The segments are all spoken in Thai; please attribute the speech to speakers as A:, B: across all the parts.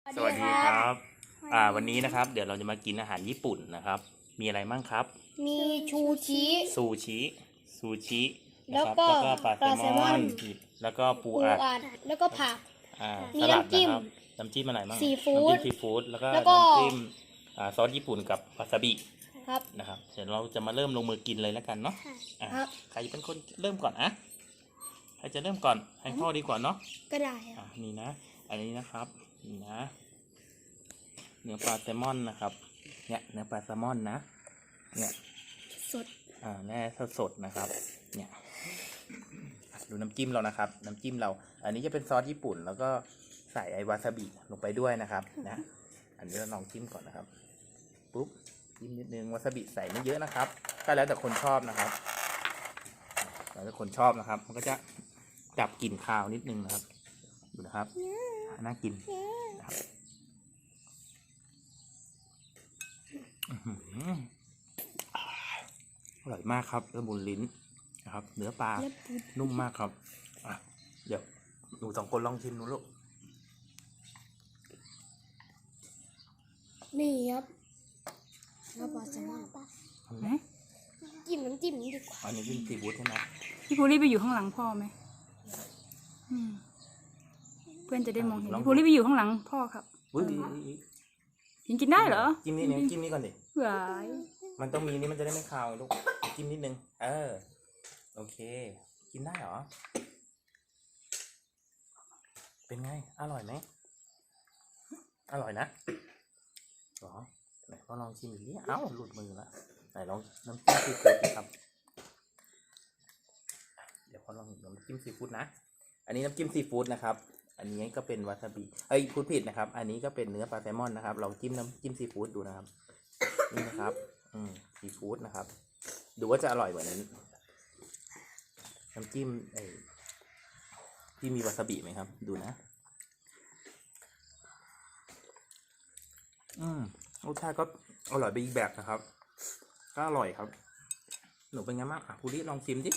A: สวัสดีครับวันนี้นะครับเดี๋ยวเราจะมากินอาหารญี่ปุ่นนะครับมีอะไรบ้างครับ
B: มีชูชิ
A: ซูชินะ
B: แล้ว
A: ครับ
B: ก็
A: แล้วก็ปลาแซลมอนแล้วก็ปูอัด
B: แล้วก็ผัก มี
A: สลัด
B: น้ำจิ้
A: นะ
B: ม
A: ครับน้ำจิ้มอะไรบ้าง
B: ซีฟู้ด
A: น้ำจิ้มซีฟู้ดแล้วก็
B: แล้วก็
A: น้ำจิ้มซอสญี่ปุ่นกับวาซาบิ
B: ครับ
A: นะครับเดี๋ยวเราจะมาเริ่มลงมือกินเลยแล้วกันเนาะอ่ะ
B: ครับ
A: ใครเป็นคนเริ่มก่อนใครจะเริ่มก่อนให้พ่อดีกว่าเนาะ
B: ก็ได้ครับ
A: นี่นะอันนี้นะครับนี่นะเนื้อปลาแซลมอนนะครับเนี่ยเนื้อปลาแซลมอนนะเนี่ย
B: สด
A: แน่สดๆนะครับเนี่ยดูน้ำจิ้มเรานะครับน้ำจิ้มเราอันนี้จะเป็นซอสญี่ปุ่นแล้วก็ใส่ไอวาซาบิลงไปด้วยนะครับนะอันนี้เราลองจิ้มก่อนนะครับปุ๊บจิ้มนิดนึงวาซาบิใส่ไม่เยอะนะครับก็แล้วแต่คนชอบนะครับแล้วแต่คนชอบนะครับมันก็จะจับกลิ่นคาวนิดนึงนะครับดูนะครับน่ากินนะครับอร่อยมากครับละมุนลิ้นนะครับเนื้อปลานุ่มมากครับเดี๋ยวหนูสองคนลองชิมดูลูก
B: นี่ครับแล้วปลาแซลมอน
C: ไหม
B: จิ้มน้ำจิ้มนี้ดีกว่า
A: อันนี้จิ้มซีฟู้ดใช่ไหม
C: พี่ภูริไปอยู่ข้างหลังพ่อไหมเพื่อนจะได้มองเห็นพี่ภูริไปอยู่ข้างหลังพ่อครับ
A: อุ้ย
C: ยิงกินได้เหรอ
A: จิ้มนี่จิ้มนี่ก่อนดิ
C: หวาย
A: มันต้องมีนี่มันจะได้ไม่คาวลูกจิ้มนิดนึงโอเคกินได้เหรอเป็นไงอร่อยไหมอร่อยนะหรอไหนก็ลองชิมดิเอ้าหลุดมือละไหนลองน้ำจิ้มซีฟู้ดครับเดี๋ยวพอลองน้ำจิ้มซีฟู้ดนะอันนี้น้ำจิ้มซีฟู้ดนะครับอันนี้ก็เป็นวาซาบิพูดผิดนะครับอันนี้ก็เป็นเนื้อปลาแซลมอนนะครับลองจิ้มน้ำจิ้มซีฟู้ดดูนะครับนี่นะครับซีฟู้ดนะครับดูว่าจะอร่อยกว่านี้น้ำจิ้มที่มีวาซาบิไหมครับดูนะรสชาติก็อร่อยไปอีกแบบนะครับก็อร่อยครับหนูเป็นไงบ้างภูริลองชิมดิ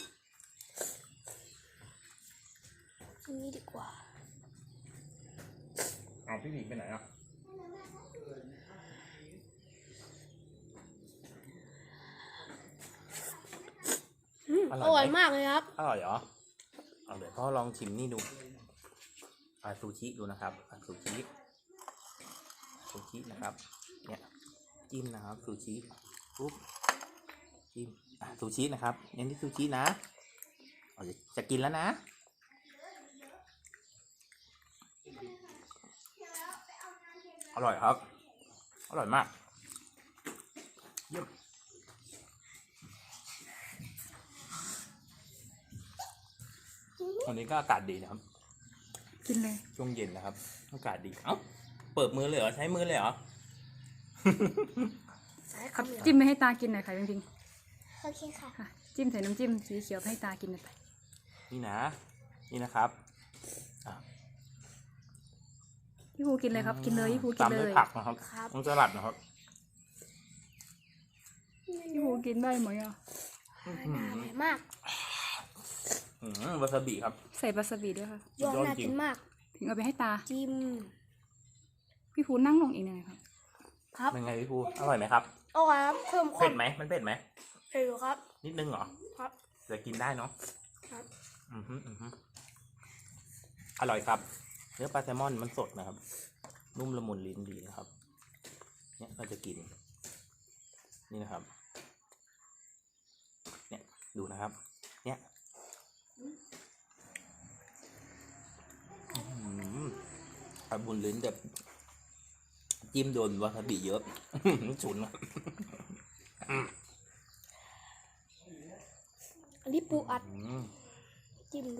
B: อันนี้ดีกว่า
A: พี่หมีไปไหนอ่ะ
B: อร่อยมากเลยครับ
A: อร่อยเหรอเดี๋ยวพ่อลองชิมนี่ดูซูชิดูนะครับซูชินะครับเนี่ยจิ้มนะครับซูชิปุ๊บจิ้มซูชินะครับเน้นที่ซูชินะจะกินแล้วนะอร่อยครับอร่อยมากเยี่ยมวันนี้ก็อากาศดีนะครับ
C: กินเลย
A: ช่วงเย็นนะครับอากาศดีเปิดมือเลยเหรอใช้มือเลยเหรอ
C: ครับจิ้มไปให้ตากินหน่อยค่ะจริง
B: โอเคค่ะ
C: ๆค่ะจิ้มใส่น้ำจิ้มสีเขียวให้ตากินหน่อยไป
A: นี่นะครับ
C: พี่ภูกินเลยครับกินเลยพี่ภูกิน
A: ตาม
C: เล
A: ด้วย
C: ย
A: ผักนะครับต้องสลัดนะครับ
C: พี่ภูกินได้ไหมอ่ะ
B: อร่อยมาก
A: วาซาบิครับ
C: ใส่วาซาบิด้วยค่ะ
B: ยอดน่ากินมาก
C: ถึงเอาไปให้ตา
B: จิ้ม
C: พี่ภูนั่งลงอีกหน่อยครับ
B: ครับ
A: เป็นไงพี่ภูอร่อยไหมครับ
B: อร่อยครับเพิ่มควา
A: เผ็
B: ม
A: ดไหมมันเผ็ดไหม
B: เผ็ดอยู่ครับ
A: นิดนึงเหรอ
B: ครับ
A: จะกินได้เนาะ
B: ครับ
A: อร่อยครับเนื้อปลาแซลมอนมันสดนะครับนุ่มละมุนลิ้นดีนะครับเนี่ยเราจะกินนี่นะครับเนี่ยดูนะครับเนี่ยละมุนลิ้นแบบจิ้มโดนวาซาบิเยอะ ฉุน
B: อันนี้ปูอัดจิ้มดู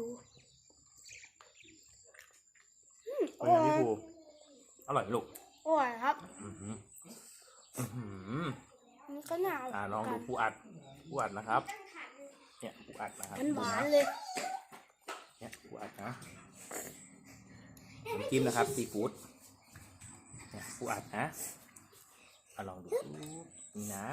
A: เป็นไงพี่ภูอร่อยไหมลูก
B: อร่อยครับ มันก็น่า
A: ลองดูปูอัดนะครับเนี่ยปูอัดนะครับ
B: มันหวานเลย
A: เนี่ยปูอัดนะน้ำจิ้มนะครับซีฟู้ดเนี่ยปูอัดนะลองดูนี่นะ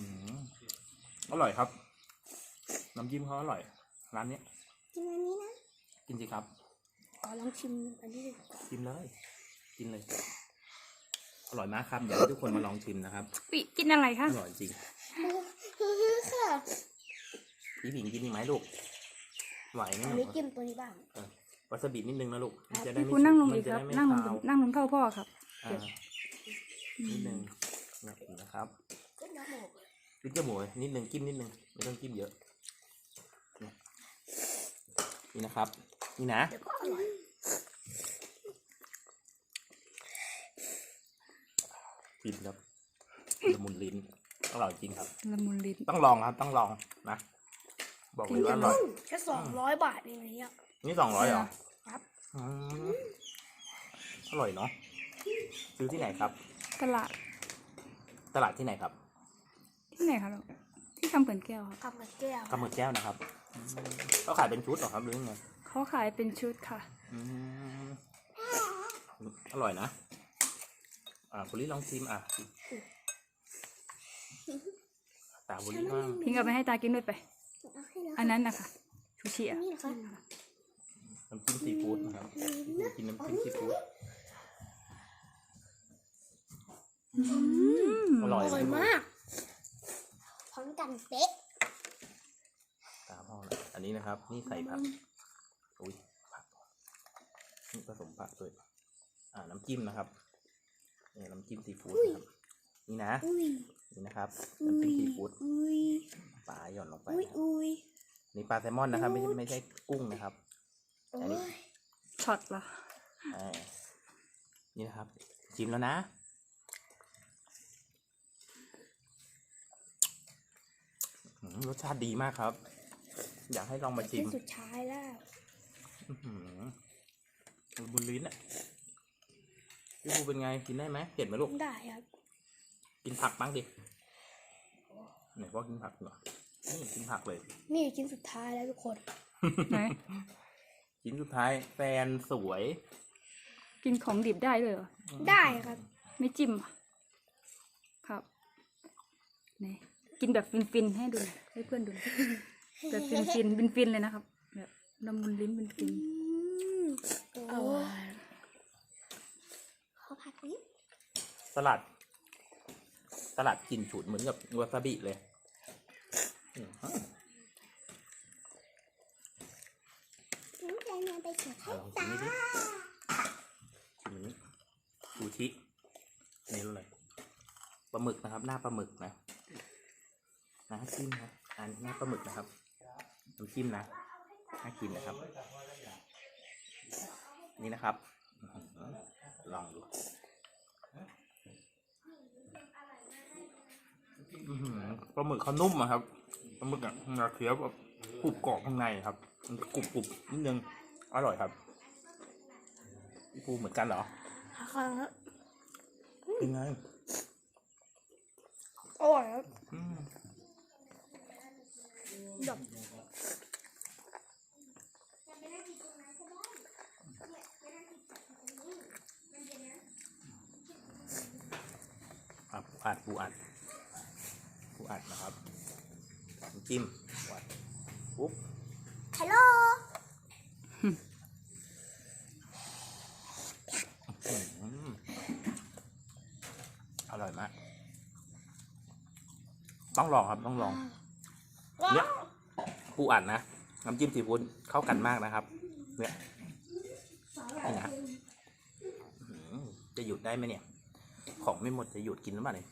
A: อร่อยครับน้ำจิ้มเขาอร่อยร้านนี้
B: กินอันนี้นะ
A: กินสิครับ
B: ขอลองชิมอันนี้ดีกว่า
A: ชิมเลย กินเลย อร่อยมากครับ เดี๋ยวให้ทุกคนมาลองชิมนะครับ
C: วิกินอะไรคะ
A: อร่อยจริง
B: ค่ะ
A: พี่ผิงกินอีกไหมลูก ไหวไหม
B: อัน
A: ลู
B: นี้
A: ก
B: จิ้มตัวนี้บ้าง
A: วาซาบินิดนึงนะลูกมันจะได้
C: พี่
A: ไม่
C: ภูนั่งลง
A: มั
C: อีก
A: จะ
C: ครับ
A: ได้ไม่
C: นั่งลง
A: คาว
C: นั่งลงเท่าพ่อครับ
A: อ่านิดนึงเนี่ยนะครับ
B: ก็น้ำหมก
A: จิ้มจมูกเลยนิดนึงจิ้มนิดนึงไม่ต้องจิ้มเยอะเนี่ยนี่นะครับ นี่นะ
B: เดี๋ยวก็อร่อย
A: กินครับละมุนลิ้นอร่อยจริงครับ
C: ละมุนลิ้น
A: ต้องลองครับ ต้องลองนะ บอกเลยว่าอร่อย
B: แค่200 บาทเองเนี่ย
A: นี่200เหรอ
B: ครับ
A: อืมอร่อยเนาะซื้อที่ไหนครับ
C: ตลาด
A: ตลาดที่ไหนครับ
C: ที่ไหนคะลูกที่คำเปิ่นแก้วครับ
B: กับกระแก้ว
A: กำมือแก้วนะครับเขาขายเป็นชุดเหรอครับหรือยังไง
C: เขาขายเป็นชุดค่ะ
A: อืมอร่อยนะบุรีลองชิมตาบุรีบ้าง
C: พิงเอาไปให้ตากินด้วยไป
B: เอาให้แล้ว
C: อันนั้นนะคะชูชีอะ
B: นี่นะคะ
A: น้ำจิ้มซีฟู้ดนะครับกินน้ำจิ้มซีฟู้ดอร่อย
B: อร่อยมากพร้อมกันเป๊ะ
A: ตามพ่อนะอันนี้นะครับ นี่ใส่ผักอุ้ยผักนี่ผสมผักด้วยน้ำจิ้มนะครับนี่น้ำจิ้มซีฟู้ดนะครับนี่นะ
B: อุ้ย
A: นี่นะครับ
B: อุ้
A: น้ำจิ้
B: ย
A: มซีฟู้ด
B: อุ้ย
A: ปลาหย่อนลงไป
B: อุ้ย
A: นะครับ
B: อุ้ย
A: นี่ปลาแซลมอนนะครับ ไม่ใช่กุ้งนะครับ
B: โอ้
A: อันนี้
B: ย
C: ช็อตเหรอ
A: นี่นะครับชิมแล้วนะรสชาติดีมากครับ อยากให้ลองมาชิ
B: ที่
A: ม
B: สุดท้ายแล้ว
A: บุญลิ้นอ่ะพี่ภูเป็นไงกินได้ไหมเผ็ดไหมลูก
B: ได้ครับ
A: กินผักบ้างดิไหนพ่อกินผักเหรอนี่กินผักเลย
B: นี่ชิ้นสุดท้ายแล้วทุกคน
C: ไหน
A: ชิ้นสุดท้ายแฟนสวย
C: กินของดิบได้ด้วยเหรอ
B: ได้ครับ
C: ไม่จิ้มเหรอครับไหนกินแบบฟินๆให้ดูหน่อยให้เพื่อนดูหน่อยแบบฟินๆฟินๆเลยนะครับแบบละมุนลิ้นฟิน
B: โอ้ยขอผักนิด
A: สลัดกลิ่นฉุนเหมือนกับวาซาบิเลยอืม
B: น้ำแดงไปเสิร์ฟให้
A: ลองชิ
B: ตาม
A: นี่ดิชิมนี้ซูชินี่รู้เลยปลาหมึกนะครับ หน้าปลาหมึกนะน้ำจิ้มนะอันหน้าปลาหมึกนะครับน้ำจิ้มนะน่ากินนะครับ นี่นะครับลองดูปลาหมึกเขานุ่มอะครับปลาหมึกอะเคี้ยวแบบกรุบกรอบข้างในครับมันกรุบนิดนึงอร่อยครับพี่ปูเหมือนกันเหรอ
B: ครับ
A: เป็นไง
B: อร่อยครับ
A: อืม
B: แบบ
A: ปูอัดนะครับน้ำจิ้มปูอัดปุ๊บ
B: ฮัลโหล
A: อร่อยมากต้องลองครับต้องลองเนี่ยปูอัดนะน้ำจิ้มซีฟู้ดเข้ากันมากนะครับเนี่ยนี่นะจะหยุดได้ไหมเนี่ยของไม่หมดจะหยุดกินหรือเปล่าเนี่ย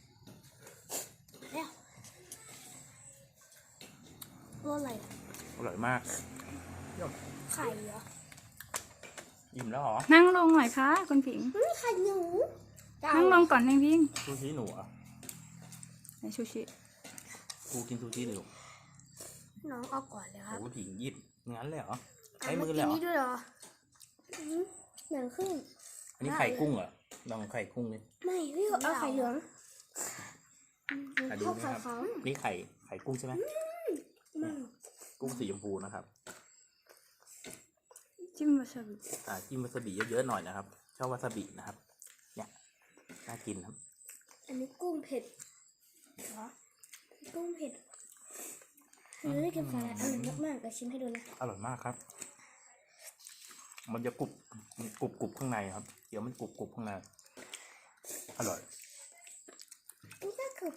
B: ตัวอะไร
A: อร่อยมาก
B: ไข่เหรอ
A: อิ่มแล้วเหรอ
C: ๆนั่งลงหน่อยคะคุณผิง
B: ไข่หนู
C: นั่งลงก่อนแม่พิง
A: ซูชิหนูเหรอ่ะ
C: ไหนชูชี
A: กูกินซูชิหนู
B: น้องเอาก่อนเลยครับ
A: โอ้ผิงหยิบงั้นเลยเหรอใช้มือเลยเหรอ
B: นี่ด้วยเหรอเหลืองขึ้น
A: อันนี้ไข่กุ้งเหรอลองไข่กุ้งดิ
B: ไม่พี่เอาไข่เหลือง
A: ดู
B: เข้า
A: นะ
B: ไข่
A: ครับ
B: ขาว
A: นี่ไข่กุ้งใช่ไหมกุ้งสีชมพูนะครับ
C: จิ้มวาซาบิ
A: จิ้มวาซาบิเยอะๆหน่อยนะครับชอบวาซาบินะครับ เนี่ยน่ากินครับ
B: อันนี้กุ้งเผ็ดเหรอกุ้งเผ็ดเฮ้ยกินสาหร่ายอร่อยมากๆเดี๋ยวชิมให้ดูนะ
A: อร่อยมากครับมันจะกรุบกรุบข้างในครับเดี๋ยวมันกรุบข้างในอร่อย
B: นี่ก็คือ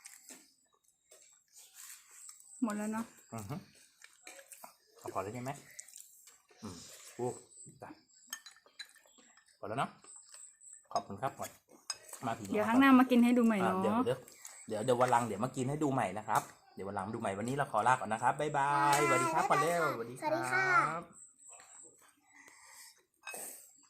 C: หมดแล้วเนาะ
A: อือฮึเอาพอแล้วใช่ไหมโอ้ได้พอแล้วเนาะขอบคุณครับก่อนมาถึง
C: เดี๋ยวครั้งหน้ามากินให้ดูใหม่เนาะ
A: เดี๋ยววันหลังเดี๋ยวมากินให้ดูใหม่นะครับเดี๋ยววันหลังดูใหม่วันนี้เราขอลาก่อนนะครับบ๊ายบายสวัสดีครับก่อนเร็วสวัสดีครับ